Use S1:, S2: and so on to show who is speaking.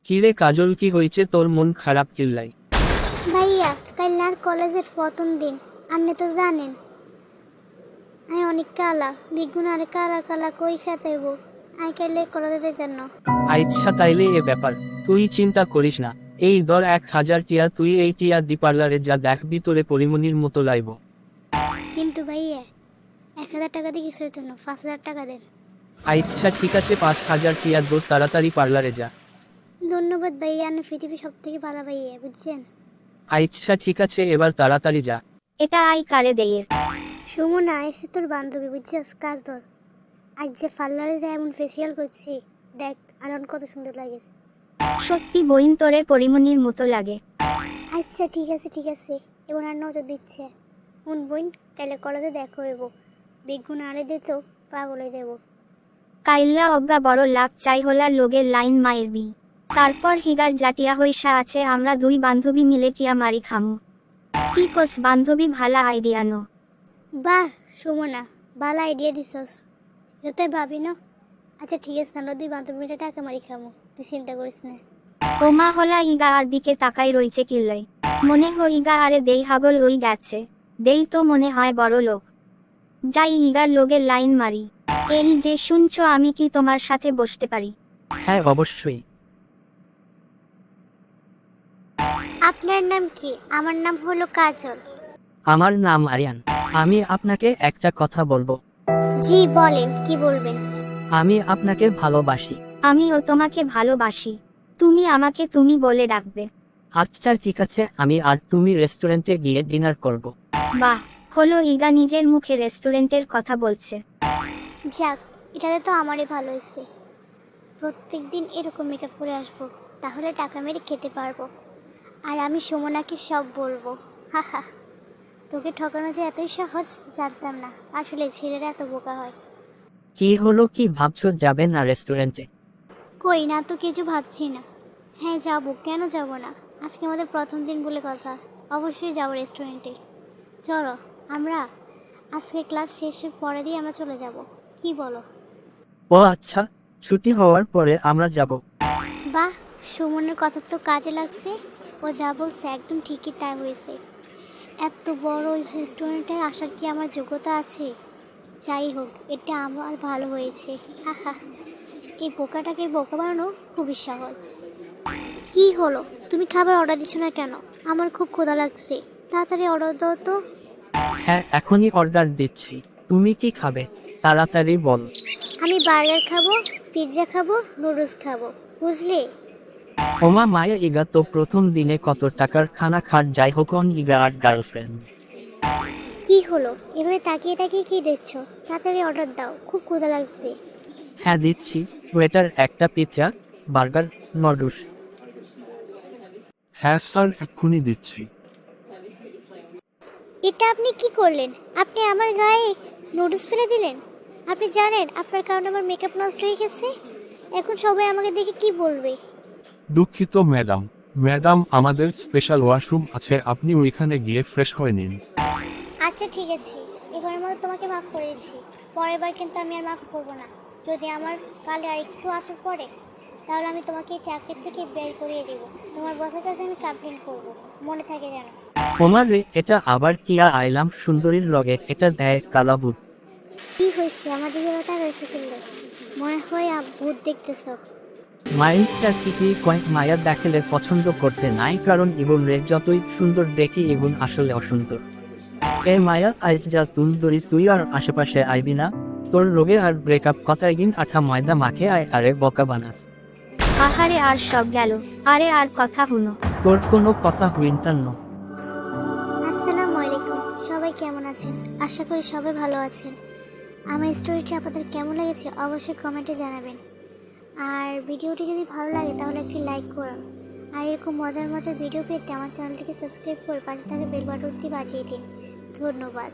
S1: কিরে কাজল, কি হয়েছে তোর? মন খারাপ কিল্লাই?
S2: ভাইয়া কাল আর কলেজের প্রথম দিন, আপনি তো জানেন আমি অনেক কালা বিগুণ আর কালা কালা কই সাথেব আমি কাইলে কলেজের জন্য।
S1: আচ্ছা তাইলে এ ব্যাপার, তুই চিন্তা করিস না। এই ধর 1,000 টিয়া, তুই এই টিয়া দি পার্লারে যা, দেখবি তোরে পরিমণির মতো লাইব।
S2: কিন্তু ভাইয়া 1,000 টাকা দিয়ে কিসের জন্য? 5,000 টাকা দেন।
S1: আচ্ছা ঠিক আছে, 5,000 টিয়া দোর, তাড়াতাড়ি পার্লারে যা।
S2: ধন্যবাদ ভাইয়া, আপনি পৃথিবীর সব থেকে ভালো ভাইয়া, বুঝছেন?
S1: আচ্ছা ঠিক আছে, এবার তাড়াতাড়ি যা।
S3: এটা আই কারে দেয়ের।
S2: সুমনা এসে তোর বান্ধবী, বুঝছিস? কাজ ধর। আজ যে পার্লারে যায় এমন ফেসিয়াল করছি, দেখ আর কত সুন্দর লাগে।
S3: সত্যি বইন তোরে পরিমণির মতো লাগে।
S2: আচ্ছা ঠিক আছে ঠিক আছে, এবার আর নজর দিচ্ছে। উন বোন, কাইলে কলেজে দেখো হইব, বেগুন আরে দিত পাগল হয়ে দেব।
S3: কাইল্লা অজ্ঞা বড় লাখ চাই হলার লোগের লাইন মায়েরবি। তারপর হিগার জাটিয়া হইসা আছে, আমরা দুই বান্ধবী মিলে টিয়া মারি খামু। কি কোস বান্ধবী, ভালা আইডিয়া নো।
S2: বাহ সুমনা, ভালো আইডিয়া দিছস, এটা তুই ভাবি না। আচ্ছা ঠিক আছে, আমরা দুই বান্ধবী মিলে টাকা মারি খামো, তুই চিন্তা করিস না।
S3: ওমা হলা ইগা আর দিকে তাকাই রইছে কিল্লাই। মনে হয় ইগা আরে দেই হাগল ওই গেছে। দেই তো মনে হয় বড় লোক। যাই ইগার লোগের লাইন মারি। এই যে শুনছো, আমি কি তোমার সাথে বসতে পারি?
S1: হ্যাঁ অবশ্যই।
S2: আপনার নাম কি? আমার নাম হলো কাজল।
S1: আমার নাম আরিয়ান। আমি আপনাকে একটা কথা বলবো।
S2: জি বলেন, কি বলবেন?
S1: আমি আপনাকে ভালোবাসি।
S3: আমিও তোমাকে ভালোবাসি। তুমি আমাকে তুমি বলে ডাকবে।
S1: আচ্ছা ঠিক আছে, আমি আর তুমি রেস্টুরেন্টে গিয়ে ডিনার করব।
S3: বাহ, হলো ইগা নিজের মুখে রেস্টুরেন্টের কথা বলছে।
S2: যাক, এটাতে তো আমারই ভালো হয়েছে। প্রত্যেক দিন এরকম মেকআপ করে আসবো, তাহলে টাকা মেরে খেতে পারবো। আর আমি সুমনাকে সব বলবো। হাহা, তোকে ঠকানো যে এতই সহজ জানতাম না। আসলে ছেলেরা এত বোকা হয়।
S1: কি হলো, কি ভাবছো যাবে না রেস্টুরেন্টে?
S2: কই না তো, কিছু ভাবছি না। হ্যাঁ যাবো, কেন যাব না? আজকে আমাদের প্রথম দিন বলে কথা, অবশ্যই যাবো রেস্টুরেন্টে। চলো, আমরা আজকে ক্লাস শেষের পরে দিয়ে আমরা চলে যাব, কি বলো?
S1: ও আচ্ছা, ছুটি হওয়ার পরে আমরা যাব।
S2: বাহ, সুমনের কথা তো কাজে লাগছে। ও যা বলছে একদম ঠিকই তাই হয়েছে। এত বড় ওই রেস্টুরেন্টে আসার কি আমার যোগ্যতা আছে? যাই হোক, এটা আমার ভালো হয়েছে। হাহা, এই বোকাটাকে বোকা বানানো খুবই সহজ। কি হলো, তুমি খাবার অর্ডার দিচ্ছ না কেন? আমার খুব ক্ষুধা লাগছে, তাড়াতাড়ি অর্ডার দাও তো।
S1: হ্যাঁ এখনই অর্ডার দিচ্ছি। তুমি কি খাবে? তাড়াতাড়ি বল।
S2: আমি বার্গার খাবো, পিৎজা খাবো, নুডলস খাবো, বুঝলি?
S1: ওমা মায়া, ইগা তো প্রথম দিনে কত টাকার খানা খাট, যাই হোক অন ইগা আর গার্লফ্রেন্ড।
S2: কি হলো, এভাবে তাকিয়ে তাকিয়ে কি দেখছো? তাড়াতাড়ি অর্ডার দাও, খুব ক্ষুধা লাগছে।
S1: হ্যাঁ দিচ্ছি। ওয়েটার, একটা পিৎজা, বার্গার, নুডলস।
S4: হ্যাঁ স্যার, এক্ষুনি দিচ্ছি।
S2: এটা আপনি কি করলেন? আপনি আমার গায়ে নুডলস ফেলে দিলেন। আপনি জানেন আপনার কারণে আমার মেকআপ নষ্ট হয়ে গেছে। এখন সবাই আমাকে দেখে কি বলবে?
S4: দুঃখিত ম্যাডাম। ম্যাডাম, আমাদের স্পেশাল ওয়াশরুম আছে, আপনি ওইখানে গিয়ে ফ্রেশ হয়ে নিন।
S2: আচ্ছা ঠিক আছে, এবারের মতো তোমাকে মাফ করেছি, পরের বার কিন্তু আমি আর মাফ করবো না। যদি আমার কালে আর একটু আঁচড় পড়ে, তাহলে আমি তোমাকে এই চাকরি থেকে বের করিয়ে দেব। তোমার বসের কাছে আমি কমপ্লেন করব, মনে থাকে যেন।
S1: ওমার রে, এটা আবার কিয়া আইলাম সুন্দরীর লগে, এটা দেয় কালাবুত।
S2: কি হয়েছে, আমাদের ওটা রয়েছে কিনলে? মনে হয় ভূত দেখতেছ।
S1: মাইন্ডটা ঠিকই কয়, মায়া দেখলে পছন্দ করতে নাই, কারণ ইগুন রে যতই সুন্দর দেখি ইগুন আসলে অসুন্দর। এ মায়া, আইজ যা তুলদরি, তুই আর আশেপাশে আইবি না। তোর রোগে আর ব্রেকআপ কথায় গিন আঠা ময়দা মাখে আয় আরে বকা বানাস।
S3: আহারে আর সব গেল। আরে আর কথা হুনো।
S1: তোর কোনো কথা হুইনতার ন।
S2: আসসালামু আলাইকুম, সবাই কেমন আছেন? আশা করি সবাই ভালো আছেন। আমার স্টোরিটি আপনাদের কেমন লেগেছে অবশ্যই কমেন্টে জানাবেন। আর ভিডিওটি যদি ভালো লাগে তাহলে একটি লাইক করুন। আর এরকম মজার মজার ভিডিও পেতে আমার চ্যানেলটিকে সাবস্ক্রাইব করে পাশে থাকা বেল বাটনটি বাজিয়ে দিন। ধন্যবাদ।